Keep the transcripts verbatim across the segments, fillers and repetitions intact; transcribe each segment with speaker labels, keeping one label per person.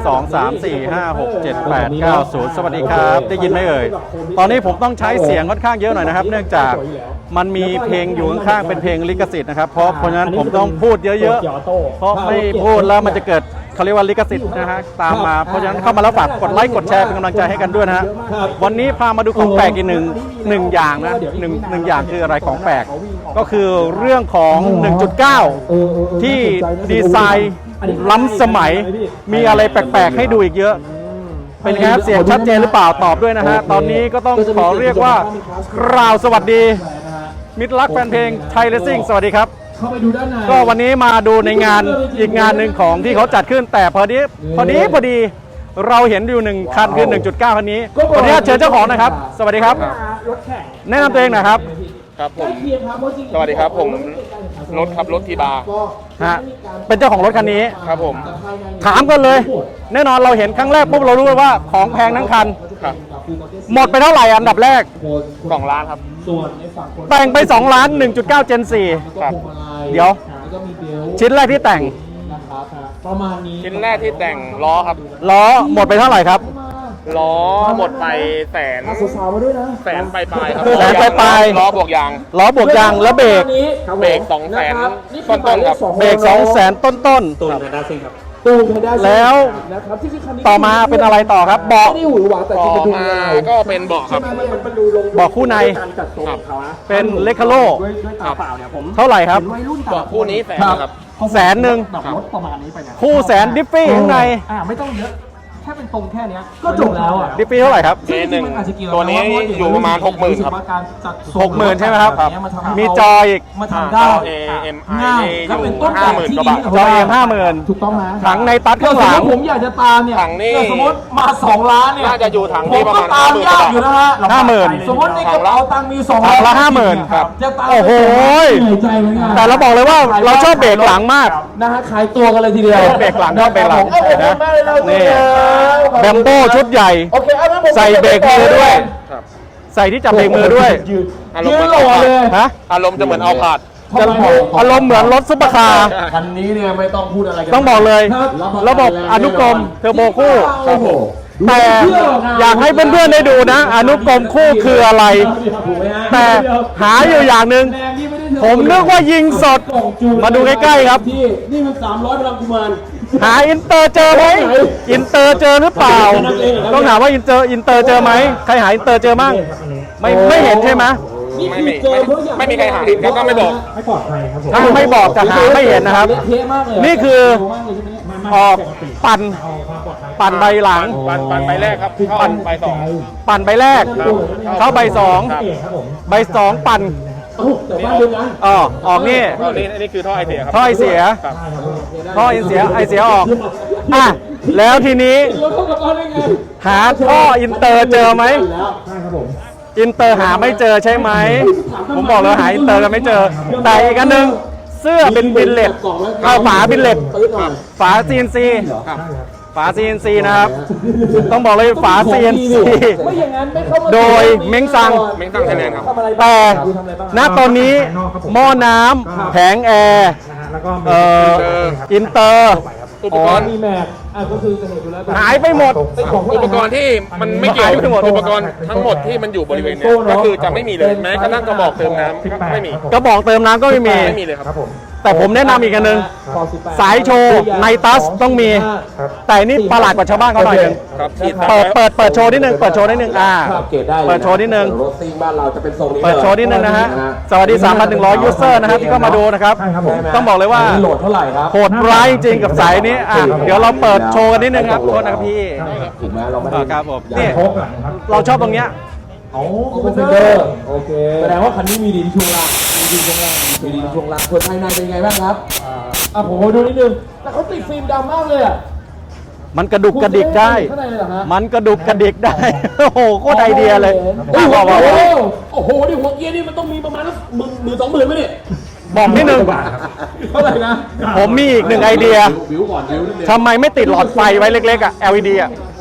Speaker 1: สอง สาม สี่ ห้า หก เจ็ด แปด เก้า ศูนย์สวัสดีครับได้ยินไหมเอ่ยตอนนี้ผมต้องใช้เสียงค่อนข้างเยอะหน่อยนะครับเนื่องจากมันมีเพลงอยู่ข้างๆเป็นเพลงลิขสิทธิ์นะครับเพราะเพราะฉะนั้นผมต้องพูดเยอะๆเพราะไม่พูดแล้วมันจะเกิดเขาเรียกว่าลิขสิทธิ์นะฮะตามมาเพราะฉะนั้นเข้ามาแล้วฝากกดไลค์กดแชร์เป็นกำลังใจให้กันด้วยนะฮะวันนี้พามาดูของแปลกอีกหนึ่งหนึ่งอย่างนะหนึ่งหนึ่งอย่างคืออะไรของแปลกก็คือเรื่องของ หนึ่งจุดเก้า ที่ดีไซน์ล้ำสมัยมีอะไรแปลกๆให้ดูอีกเยอะเป็นไงครับเสียงชัดเจนหรือเปล่าตอบด้วยนะฮะตอนนี้ก็ต้องขอเรียกว่ากล่าวสวัสดีมิตรรักแฟนเพลงไทยเลสซิ่งสวัสดีครับก็วันนี้มาดูในงานอีกงานหนึ่งของที่เขาจัดขึ้นแต่พอดีพอดีพอดีเราเห็นอยู่หนึ่งคันคือ หนึ่งจุดเก้า คันนี้วันนี้เชิญเจ้าของนะครับสวัสดีครับแนะนำตัวเองหน่อยครับ
Speaker 2: ครับผมสวัสดีครับผมรถครับรถทีบาร์
Speaker 1: ฮะเป็นเจ้าของรถคันนี้
Speaker 2: ครับผม
Speaker 1: ถามกันเลยแน่นอนเราเห็นครั้งแรกปุ๊บเรารู้เลยว่าของแพงทั้งคัน
Speaker 2: ครับ
Speaker 1: หมดไปเท่าไหร่อันดับแรก
Speaker 2: สองล้านครับ
Speaker 1: แต่งไปสองล้าน หนึ่งจุดเก้า Gen สี่
Speaker 2: ครับ
Speaker 1: เดี๋ยวชิ้นแรกที่แต่ง
Speaker 2: ชิ้นแรกที่แต่งล้อครับ
Speaker 1: ล้อหมดไปเท่าไหร่ครับ
Speaker 2: ล้อหมดไปแสนแสนปลายปลายครับ
Speaker 1: แสนปลายปลาย
Speaker 2: ล้อบวกยาง
Speaker 1: ล้อบวกยางแล้วเบรก
Speaker 2: เบรกสองแสนต้นต้นครับ
Speaker 1: เบรกสองแสนต้นต้น
Speaker 2: ตูนไฮด้าซิ่งครับ
Speaker 1: แล้วต่อมาเป็นอะไรต่อครับเบาะ
Speaker 2: ต่อมาก็เป็นเบาะครับ
Speaker 1: เบาะคู่ในเป็นเลคาโลเท่าไหร่ครับ
Speaker 2: เบาะคู่นี้แสนครับ
Speaker 1: แสนหนึ่งคู่แสนดิฟฟี่ข้างใน
Speaker 3: ไม่ต้องเยอะแค่เป็นตรงแค่นี้ก็จบแล้วอ่ะ
Speaker 1: ดิฟฟี่เท่าไหร่ครับ
Speaker 2: เอหนึ่งตัวนี้อยู่ประมาณหกหมื่นครับ
Speaker 1: หกหมื่นใช่ไหมครับมีจออีก
Speaker 3: มาทำได้
Speaker 2: เอเอ็มไออยู่ห้าหมื่นกว่าบาท
Speaker 1: จอเอ็มห้าหมื่น
Speaker 3: ถูกต้องนะ
Speaker 1: ถังในตัดข้างหลัง
Speaker 3: ผมอยากจะตามเนี่ย
Speaker 2: ถังนี้
Speaker 3: สมมติมาสองล้านเนี่ย
Speaker 2: น่าจะอยู่ถังที่ประมาณ
Speaker 3: ห้าหมื่นอยู่นะฮะ
Speaker 1: ห้าหมื่น
Speaker 3: สมมติในกระเป๋าตังค์มีสอง
Speaker 1: ถังละห้าหมื่น
Speaker 3: จะตาม
Speaker 1: โอ้โหแต่เราบอกเลยว่าเราชอบเบรกหลังมาก
Speaker 3: นะฮะขายตัวกันเลยทีเดียว
Speaker 1: เบรกหลังชอบเบรกหลังนะนี่แบมโบ้ชุดใหญ่ใส่เบรกมือด้วยใส่ที่จับเบรกมือด้วย
Speaker 2: อารมณ์เหมือนเลยฮะอารมณ์จะเหมือนเอาผาด
Speaker 1: อารมณ์เหมือนรถซุปเปอร์คาร์
Speaker 3: คันนี้เนี่ยไม่ต้องพูดอะไร
Speaker 1: ต้องบอกเลยระบบอนุกรมเทอร์โบคู่แต่อยากให้เพื่อนๆได้ดูนะอนุกรมคู่คืออะไรแต่หาอยู่อย่างหนึ่งผมนึกว่ายิงสดมาดูใกล้ๆครับ
Speaker 3: นี่มันสามร้อยพลังกุมาร
Speaker 1: หาอินเตอร์เจอไหมอินเตอร์เจอหรือเปล่าต้องถามว่าอินเตอร์อินเตอร์เจอไหมใครหาอินเตอร์เจอมั่งไม่ไม่เห็นใช่ไหม
Speaker 2: ไม่มีไม่มีใครหาเห็นเขาก็ไม่บอก
Speaker 3: ไม่ปลอดภัยครับ
Speaker 1: ถ้าไม่บอกจะหาไม่เห็นนะครับนี่คือออกปั่นปั่นใบหลัง
Speaker 2: ปั่นปั่นใบแรกครับปั่นใบสอง
Speaker 1: ปั่นใบแรกเข้าใบสองใบสองปั่นอ๋อออกนี่
Speaker 2: นี่นี่คือท่อไอเสียครับ
Speaker 1: ท่อไอเสียท่อไอเสียไอเสียออกอ่ะแล้วทีนี้หาท่ออินเตอร์เจอไหมอินเตอร์หาไม่เจอใช่ไหมผมบอกเลยหาอินเตอร์กันไม่เจอแต่อีกอันหนึ่งเสื้อเป็นบิลเลตเอาฝาบิลเลตฝา ซี เอ็น ซี ฝา ซี เอ็น ซี นะครับต้องบอกเลยฝา ซี เอ็น ซี โดยเม้งซัง
Speaker 2: เม้งซังไทยแลนด์ครับ
Speaker 1: แต่ณตอนนี้หม้อน้ำแผงแอร์เอ่ออินเตอร์
Speaker 2: อุปกรณ์
Speaker 3: มีแม็กอ่ะก็คือจะเห็นอยู่แล้ว
Speaker 1: หายไปหมด
Speaker 2: อุปกรณ์ที่มันไม่เกี่ยวกับอุปกรณ์ทั้งหมดที่มันอยู่บริเวณนี้ก็คือจะไม่มีเลยแม้กระทั่งกระบอกเติมน้ำไม่มี
Speaker 1: กระบอกเติมน้ำก็ไม่มี
Speaker 2: ไม่มีเลยครับ
Speaker 1: แต่ผมแนะนำอีกอันนึงสายโชว์ไนตัสต้องมีแต่นี่ประหลาดกว่าชาวบ้านเขาหน่อยนึงเปิดเปิดเปิดโชว์นิดนึงเปิดโชว์นิดนึงอ่าเปิดโชว์นิดนึง
Speaker 3: รถซิ่งบ้านเราจะเป็นทรงนี้
Speaker 1: เปิดโชว์นิดนึงนะฮะสวัสดี สามพันหนึ่งร้อย ยูเซอร์นะครับที่เข้ามาดูนะครับต้องบอกเลยว่า
Speaker 3: โหลดเท่าไหร่ครับ
Speaker 1: โหดร้ายจริงกับสายนี้อ่ะเดี๋ยวเราเปิดโชว์กันนิดนึงครับโทษนะครับพี่
Speaker 3: ถูกไหมเราไม่ได้
Speaker 1: ครับผมนี่เราชอบตรงเนี้ย
Speaker 3: โอ้โหเฟนเดอร์โอเคแสดงว่าคันนี้มีดินช่วงล่างมีดินช่วงล่างมีดินช่วงล่างส่วนภายในเป็นไงบ้างครับอ่าผมมาดูนิดนึงแต่เขาติดฟิล์มดำมากเลยอ่ะ
Speaker 1: มันกระดุกกระดิกได้มันกระดุกกระดิกได้โอ้โหโคตรไอเดียเลย
Speaker 3: โอ้โหโอ้โหนี่หัวเกียร์นี่มันต้องมีประมาณหมื่นหมื่นสองหมื่นไหมเนี่ย
Speaker 1: บอกนิดนึง
Speaker 3: เท่าไหร่นะ
Speaker 1: ผมมีอีกหนึ่งไอเดียทำไมไม่ติดหลอดไฟไว้เล็กๆอ่ะ แอล อี ดี อ่ะ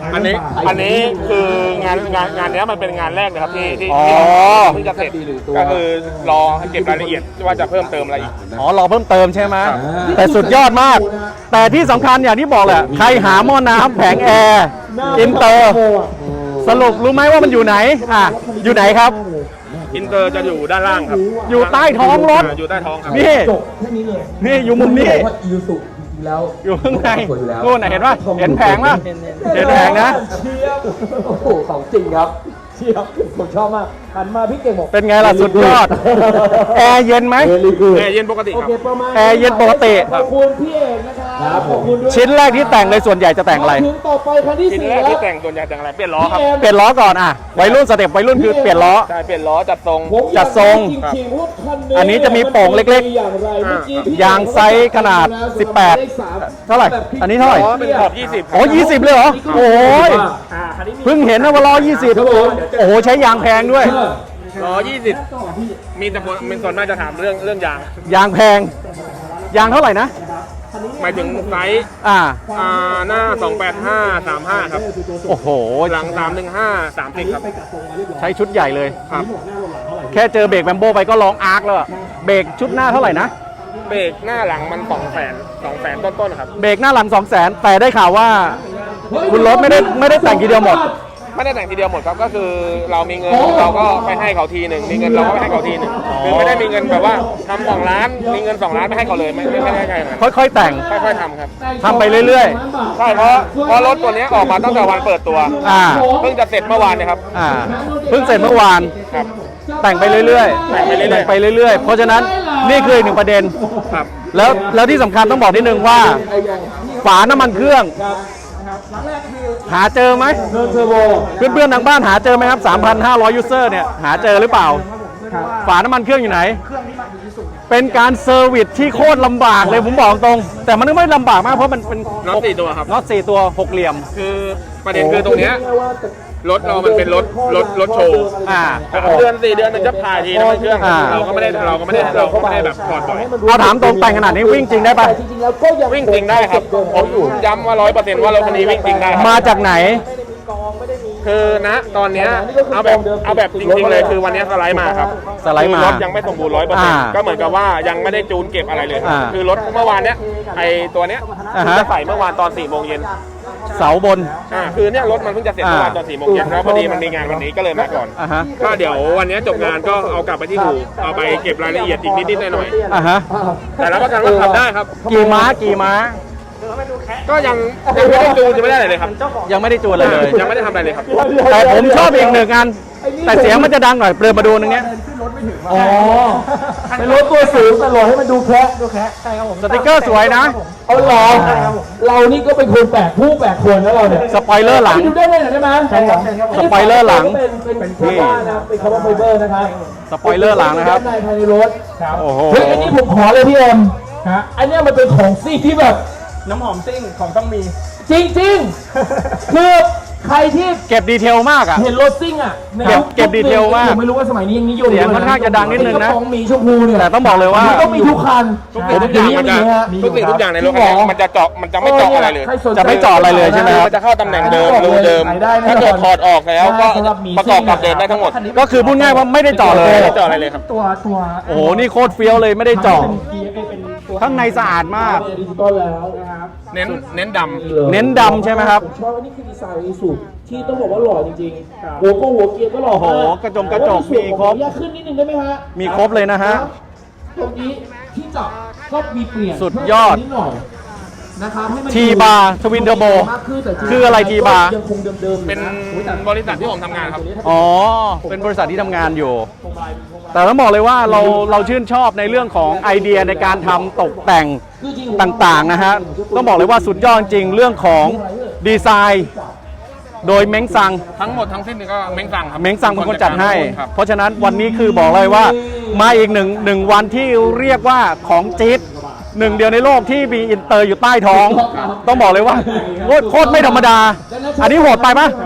Speaker 2: อันนี้อันนี้คืองานงานงานเนี้ยมันเป็นงานแรกเลยครับที่ที่
Speaker 1: อ๋อ
Speaker 2: ที่เพิ่งจะเสร็จก็คือรอให้เก็บรายละเอียดว่าจะเพิ่มเติมอะไรอีก
Speaker 1: อ๋อรอเพิ่มเติมใช่ไหมแต่สุดยอดมาก แต่ที่สำคัญอย่างที่บอกแหละใครหาหม้อน้ำแผงแอร์อินเตอร์สรุปรู้ไหมว่ามันอยู่ไหนอ่ะอยู่ไหนครับ
Speaker 2: อินเตอร์จะอยู่ด้านล่างครับ
Speaker 1: อยู่ใต้ท้องรถ
Speaker 2: าอยู่ใต้ท้องครับ
Speaker 1: นี่
Speaker 3: จบแค่นี้เลย
Speaker 1: นี่อยู่มุมนี้
Speaker 3: ว่าอีซูจริงๆแล้ว
Speaker 1: อยู่ข้างใน
Speaker 3: สวยอยู่แล้ว
Speaker 1: นู่นน่ะเห็นป่ะเห็นแผงป่ะเห็นแผงนะ
Speaker 3: เชียบโอ้โหของจริงครับเชียบผมชอบมากหันมาพี่เก่งบอก
Speaker 1: เป็นไงล่ะสุดยอด แอร์เย็นไหม
Speaker 3: เวลีกูด
Speaker 2: แอร์เย็นปกติ
Speaker 3: โอ
Speaker 2: ครับ
Speaker 3: เคประมาณ
Speaker 1: แอร์เย็นปกติ
Speaker 3: ขอบคุณพี่เอกนะครับขอบคุณด้วย
Speaker 1: ชิ้นแรกที่แต่งเลยส่วนใหญ่จะแต่งอะไร
Speaker 3: ถึงต่อไปคันที่
Speaker 2: ชิ้น
Speaker 3: สี่
Speaker 2: แรก
Speaker 3: แล้ว
Speaker 2: ที่แต่งส่วนใหญ่แต่งอะไรเปลี่ยนล้อครับ
Speaker 1: เปลี่ยนล้อก่อนอ่ะวัยรุ่นสเต็ปวัยรุ่นคือเปลี่ยนล้อ
Speaker 2: ใช่เปลี่ยนล้อจัดทรง
Speaker 3: ผมอยาก
Speaker 1: จัดทรง
Speaker 3: จริงๆว่าคัน
Speaker 1: อันนี้จะมีโป่งเล็กๆ
Speaker 3: อย่างไรเมื่อกี้พี่
Speaker 1: ยางไซส์ขนาดสิบแปดเท่าไหร่อันนี้เท่าไหร่
Speaker 2: ล้อเป็นขอบยี่สิบ
Speaker 1: โอ้ยี่สิบเลยเหรอ โอ้ย
Speaker 3: อ่าคันนี้มี
Speaker 1: เพิ่งเห็นนะว่าล้อยี่สิบ
Speaker 3: ครับผม
Speaker 1: โอ้โหใช้ยางแพงด้วย
Speaker 2: ล้อยี่สิบมีแต่คนมีส่วนมากจะถามเรื่องเรื่องยาง
Speaker 1: ยางแพง ยางเท่าไหร่นะ
Speaker 2: หมายถึงไซส์
Speaker 1: อ่า
Speaker 2: อ่าหน้าสองแปดห้า สามห้าครับ
Speaker 1: โอ้โห
Speaker 2: หลังสามหนึ่งห้า สามสิบครับ
Speaker 1: ใช้ชุดใหญ่เลย
Speaker 2: ครับ
Speaker 1: แค่เจอเบรกแบมโบไปก็ร้องอาร์คแล้วอะเบรกชุดหน้าเท่าไหร่นะ
Speaker 2: เบรกหน้าหลังมันสองแสนสองแสนต้นๆครับ
Speaker 1: เบรกหน้าหลังสองแสนแต่ได้ข่าวว่า คุณรถไม่ได้ไม่ได้แต่งทีเดียวหมด
Speaker 2: ไม่ได้แต่งทีเดียวหมดครับก็คือเรามีเงินเราก็ไปให้เขาทีหนึ่งมีเงินเราก็ไปให้เขาทีหนึ่งคือไม่ได้มีเงินแบบว่าทำสองล้านมีเงินสองล้านไม่ให้เขาเลยไม่ไม่ไม่ได้ใช่ครับ
Speaker 1: ค่อยๆแต่ง
Speaker 2: ค่อยๆทำครับ
Speaker 1: ทำไปเรื่อย
Speaker 2: ใช่เพราะเพราะรถตัวนี้ออกมาตั้งแต่วันเปิดตัว
Speaker 1: ๆ อ่า
Speaker 2: เพิ่งจะเสร็จเมื่อวานเนี่ยครับ
Speaker 1: อ่า เพิ่งเสร็จเมื่อวาน
Speaker 2: ครับ
Speaker 1: แต่งไปเรื่อย
Speaker 2: แต่งไปเรื่อยๆ
Speaker 1: แต่งไปเรื่อยๆ เพราะฉะนั้นนี่คืออีกหนึ่งประเด็น
Speaker 2: ครับ
Speaker 1: แล้วแล้วที่สำคัญต้องบอกนิดนึงว่า ฝาน้ำมันเครื่อง หาเจอไหม
Speaker 3: เทิร์นเทอร์โบ
Speaker 1: เพื่อนๆทางบ้านหาเจอไหมครับ สามพันห้าร้อย ยูเซอร์เนี่ยหาเจอหรือเปล่า ฝาน้ำมันเครื่องอยู่ไหน เป็นการเซอร์วิสที่โคตรลำบากเลยผมบอกตรง แต่มันไม่ลำบากมากเพราะมันเป็น
Speaker 2: น็อตสี่ตัวครับ
Speaker 1: น็อตสี่ตัวหกเหลี่ยม
Speaker 2: คือประเด็นคือตรงเนี้ยรถเรามันเป็นรถรถรถโชว์
Speaker 1: อ่า
Speaker 2: สามเดือนสี่เดือนมันจะถ่ายทีน้ำมันเครื่อง
Speaker 1: อ่า
Speaker 2: เราก็ไม่ได้เราก็ไม่ได้เราก็ไม่ได้แบบถอดบ่อย
Speaker 1: เอาถามตรงแต่งขนาดนี้วิ่งจริงได้ปะ
Speaker 3: จริงๆแล้วก็ยัง
Speaker 2: วิ่งจริงได้ครับผมย้ำว่าร้อยเปอร์เซ็นต์ว่ารถคันนี้วิ่งจริงได้ครับ
Speaker 1: มาจากไหน
Speaker 2: คือณตอนเนี้ยเอาแบบเอาแบบจริงๆเลยคือวันเนี้ยสไลด์มาครับ
Speaker 1: สไลด์มา
Speaker 2: คือรถยังไม่สมบูรณ์ร้อยเปอร์เซ็นต์
Speaker 1: อ่า
Speaker 2: ก็เหมือนกับว่ายังไม่ได้จูนเก็บอะไรเลยครับ
Speaker 1: อ่า
Speaker 2: คือรถเมื่อวานเนี้ยไอตัวเนี้ย
Speaker 1: อ่าฮะ
Speaker 2: จะใส่เมื่อวานตอนสี่โมงเย็น
Speaker 1: เสาบน
Speaker 2: อ่าคือเนี่ยรถมันเพิ่งจะเสร็จเมื่อวานตอนสี่โมงเย็นแล้วพอดีมันมีงานวันนี้ก็เลยมาก่อน
Speaker 1: อ่าฮะ
Speaker 2: ก็เดี๋ยววันนี้จบงานก็เอากลับไปที่อู่เอาไปเก็บรายละเอียดอีกนิดๆหน่อย
Speaker 1: อ่าฮะ
Speaker 2: ๆแต่รับประกันว่าขับได้ครับ
Speaker 1: กี่ม้ากี่ม้า
Speaker 2: ก็ยังยังไม่ได้จูนยังไม่ได้อะไรเลยครับ
Speaker 1: ยังไม่ได้จูนอะไรเลย
Speaker 2: ยังไม่ได้ทำอะไรเลยครับ
Speaker 1: แต่ผมชอบอีกหนึ่งอัน แต่เสียงมันจะดังหน่อยเปลือมาดูนึงเนี้ย
Speaker 3: อ๋อเป็นรถตัวสูงแต่หล่อให้มันดูแคะดูแคะ
Speaker 1: สติกเกอร์สวยนะ
Speaker 3: เอาหล่อเรานี่ก็เป็นคนแปลกผู้แปลกคนนะเราเนี่ย
Speaker 1: สปอยเลอร์หลัง
Speaker 3: ดูได้ไหมได้ไหมใช่ครับ
Speaker 1: สปอยเลอร์หลัง
Speaker 3: เป็นเป็นเป็นคำว่านะเป็นคำว่าไฟเบอร์นะครับ
Speaker 1: สปอยเลอร์หลังนะครับ
Speaker 3: ด้านในภายในรถครับ
Speaker 1: โอ้โห
Speaker 3: เฮ้ยอันนี้ผมขอเลยพี่เอ็มฮะอันเนี้ยมันเป็นของซิ่งที่แบบ
Speaker 4: น้ำหอมซิ่งของต้องมี
Speaker 3: จริงๆ คือใครที่
Speaker 1: เก็บดีเทลมากอ่ะ
Speaker 3: เห็นรถซิ่งอ่ะใน
Speaker 1: เก็บ
Speaker 3: ยุค
Speaker 1: เก็บดีเทลมาก
Speaker 3: ผมไม่รู้ว่าสมัยนี้ยังนิยม
Speaker 1: เสียงค่อนข้างจะดังนิดนึงนะ
Speaker 3: ไอ้กรป๋องหมีชมพูเนี่ย
Speaker 1: แต่ต้องบอกเลยว่า
Speaker 3: นต้องมีทุกคัน
Speaker 2: ทุกสิ่งทุกอย่างมันจะทุกสิ่งทุกอย่างในรถคันนี้มันจะเจาะมันจะไม่เจาะอะไรเลย
Speaker 3: ใคสนใจ
Speaker 1: จะไม่เจาะอะไรเลยใช่ไหมครับ
Speaker 2: มันจะเข้าตำแหน่งเดิมรูเดิม ถ้าเกิดถอดออกแล้วก็ประกอบกับเดิมได้ทั้งหมด
Speaker 1: ก็คือพูดง่ายว่าไม่ได้เจาะเลย
Speaker 2: ไม่ได้เจาะอะไรเลยครับ
Speaker 4: ตัวตัว
Speaker 1: โอ้โห นี่โคตรเฟี้ยวเลยไม่ได้เจาะ
Speaker 4: เป็นเกียร์เป็นตัว
Speaker 1: ข้างในสะอาดมาก
Speaker 3: ดิจิตอลแล้วนะครับ
Speaker 2: เน้นเน้นด
Speaker 1: เน้นดำใช่ไหมครับ
Speaker 3: ผมชอบอันนี้คือดีไซน์อีสุที่ต้องบอกว่าหล่อจริงๆหัวก็หัวเกียร์ก็หล่อ
Speaker 1: โอ้โห
Speaker 3: มาก
Speaker 1: กระจงกระจก
Speaker 3: แต่ว่าในส่วน
Speaker 1: มีครบ
Speaker 3: ของอยากขึ้นนิดนึงได้ไหมฮะ
Speaker 1: มีครบเลยนะฮะ
Speaker 3: ตรงนี้ที่จับก็มีเปลี่ยน
Speaker 1: สุดยอด
Speaker 3: เพิ่มนิดหน่อยนะครับให้มัน
Speaker 1: ทีบาร์ทวินเทอร์โบ
Speaker 3: มากขึ้นแต่จงๆ
Speaker 1: คืออะไรทีบาร์
Speaker 3: ยังคงเดิมๆ
Speaker 2: ำเป็นบริษัทที่ผมทำงานครับ
Speaker 1: อ๋อ เป็นบริษัทที่ทำงานอยู่ แต่ต้องบอกเลยว่าเราเราชื่นชอบในเรื่องของไอเดียในการทำตกแต่งต่างๆนะฮะ ต้องบอกเลยว่าสุดยอดจริงเรื่องของดีไซน์ โดยเม้งซัง
Speaker 2: ทั้งหมดทั้งสิ้นนี่ก็เม้งสั่งครับ
Speaker 1: เม้งซังเป็นคนจัดให้
Speaker 2: ครับ
Speaker 1: เพราะฉะนั้นวันนี้คือบอกเลยว่า มาอีกหนึ่งหนึ่งวันที่เรียกว่าของจี๊ดหนึ่งเดียวในโลกที่มีอินเตอร์อยู่ใต้ท้อง ต้องบอกเลยว่าโคตรโคตรไม่ธรรมดา อันนี้โหดไปปะ
Speaker 3: มีม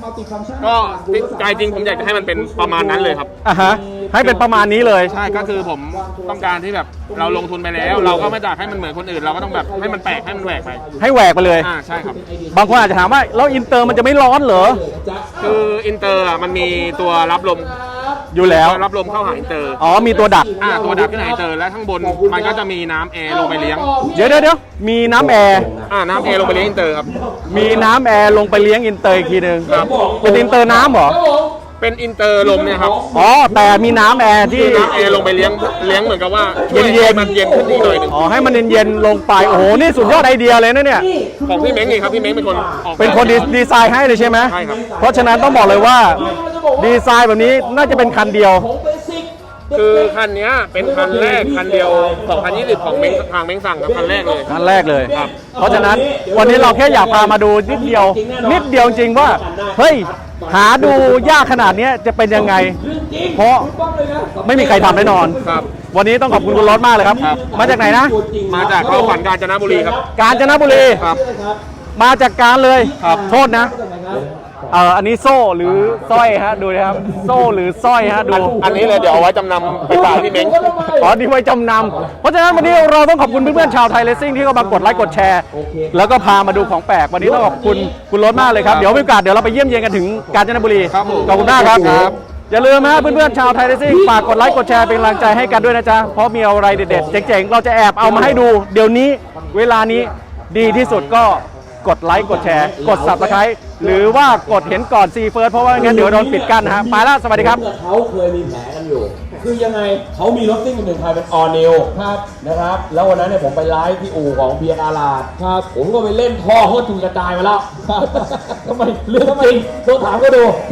Speaker 2: ก็ใจจริงผมอยากจะให้มันเป็นประมาณนั้นเลยครับ
Speaker 1: อ่ะฮะให้เป็นประมาณนี้เลย
Speaker 2: ใช่ก็คือผมต้องการที่แบบเราลงทุนไปแล้ว เราก็ไม่อยากให้มันเหมือนคนอื่น เราก็ต้องแบบให้มันแปลกให้มันแหวกไป
Speaker 1: ให้แหวกไปเลย
Speaker 2: อ่าใช่ครับ
Speaker 1: บางคนอาจจะถามว่าแล้วอินเตอร์มันจะไม่ร้อนเหรอ
Speaker 2: คืออินเตอร์อ่ะมันมีตัวรับลม
Speaker 1: อยู่แล้ว
Speaker 2: รับลมเข้าหาอินเตอร์
Speaker 1: อ๋อมีตัวดัก
Speaker 2: อ่าตัวดักที่ไหนอินเตอร์และข้างบนมันก็จะมีน้ำแอร์ลงไปเลี้ยง
Speaker 1: เดี๋ยวเดี๋ยวเดี๋ยวมีน้ำแอร์
Speaker 2: อ่าน้ำแอร์ลงไปเลี้ยงอินเตอร์ครับ
Speaker 1: มีน้ำแอร์ลงไปเลี้ยงอินเตอร์อีกทีหนึ่ง
Speaker 2: ครับ
Speaker 1: เป็นอินเตอร์น้ำเหรอ
Speaker 2: เป็นอินเตอร์ลมเนี่ยครับ
Speaker 1: อ๋อแต่มีน้ำแอร์ที่
Speaker 2: ที่น้ำแอร์ลงไปเลี้ยงเลี้ยงเหมือนกับว่าช่วย
Speaker 1: เย็นๆ
Speaker 2: ให้มันเย็นขึ้นอีกหน่อยหนึ่ง
Speaker 1: อ๋อให้มันเย็นๆลงไปโอ้โหนี่สุดยอดไอเดียเลยนะเนี่ย
Speaker 2: ของพี่เม้งเองครับพี่เม้งเป็นคนออกแบบ
Speaker 1: เป็นคนดีดีไซน์ให้เลยใช่ไหม
Speaker 2: ใช่ครับ
Speaker 1: เพราะฉะนั้นต้องบอกเลยว่าดีไซน์แบบนี้น่าจะเป็นคันเดียว
Speaker 2: คือคันเนี้ยเป็นคันแรกคันเดียวสองพันยี่สิบของเม้งทางเม้งสั่งครับคันแรกเลย
Speaker 1: คันแรกเลย
Speaker 2: ครับ
Speaker 1: เพราะฉะนั้นวันนี้เราแค่อยากพามาดูนิดเดียว นิดเดียวจริงว่าเฮ้ยหาดูยากขนาดเนี้ยจะเป็นยังไง เพราะไม่มีใครทำแน่นอน
Speaker 2: ครับ
Speaker 1: วันนี้ต้องขอบคุณคุณรถมากเลยครับ
Speaker 2: ครับ
Speaker 1: มาจากไหนนะ
Speaker 2: มาจากเข้าขวัญกาญจนบุรีครับ
Speaker 1: กาญจนบุรี
Speaker 2: ครับ
Speaker 1: มาจากการเลย
Speaker 2: ครับ
Speaker 1: โทษนะเอ่ออันนี้โซ่หรือสร้อยฮะดูนะครับโซ่หรือสร้อยฮะดู
Speaker 2: อันนี้เลยเดี๋ยวเอาไว้จำนำไปฝากพี่เม้ง
Speaker 1: ขอดีไว้จำนำเพราะฉะนั้นวันนี้เราต้องขอบคุณเพื่อนๆชาวไทยเลสซิ่งที่เข้ามากดไลค์กดแชร์ แล้วก็พามาดูของแปลกวันนี้ต้องขอบคุณคุณรถมากเลยครับเดี๋ยวมีโอกาสเดี๋ยวเราไปเยี่ยมเยียนกันถึงกาญจนบุรี
Speaker 2: ครับผม
Speaker 1: ขอบคุณมากครับ
Speaker 2: ครับ
Speaker 1: อย่าลืมนะเพื่อนๆชาวไทยเลสซิ่งฝากกดไลค์กดแชร์เป็นกำลังใจให้กันด้วยนะจ๊ะเพราะมีอะไรเด็ดๆเจ๋งๆเราจะแอบเอามาให้ดู เดี๋ยวนี้เวลานี้ดีที่สุดก็กดไลค์กดแชร์กด ซับสไครบ์ หรือว่ากดเห็นก่อนซีเฟิร์สเพราะว่างั้นเดี๋ยวโดนปิดกั้นนะฮะไปแล้วสวัสดีครับ
Speaker 3: เขาเคยมีแผลกันอยู่ คือยังไงเขามีรถซิ่งหนึ่งคันเป็นออนิวครับนะครับ แล้ววันนั้นเนี่ยผมไปไลฟ์ที่อู่ของเพียร์อาลาดครับ ผมก็ไปเล่นท่อโคตรจุงกระจายมาแล้วครับทำไมเรื่องจริงต้องถามก็ดู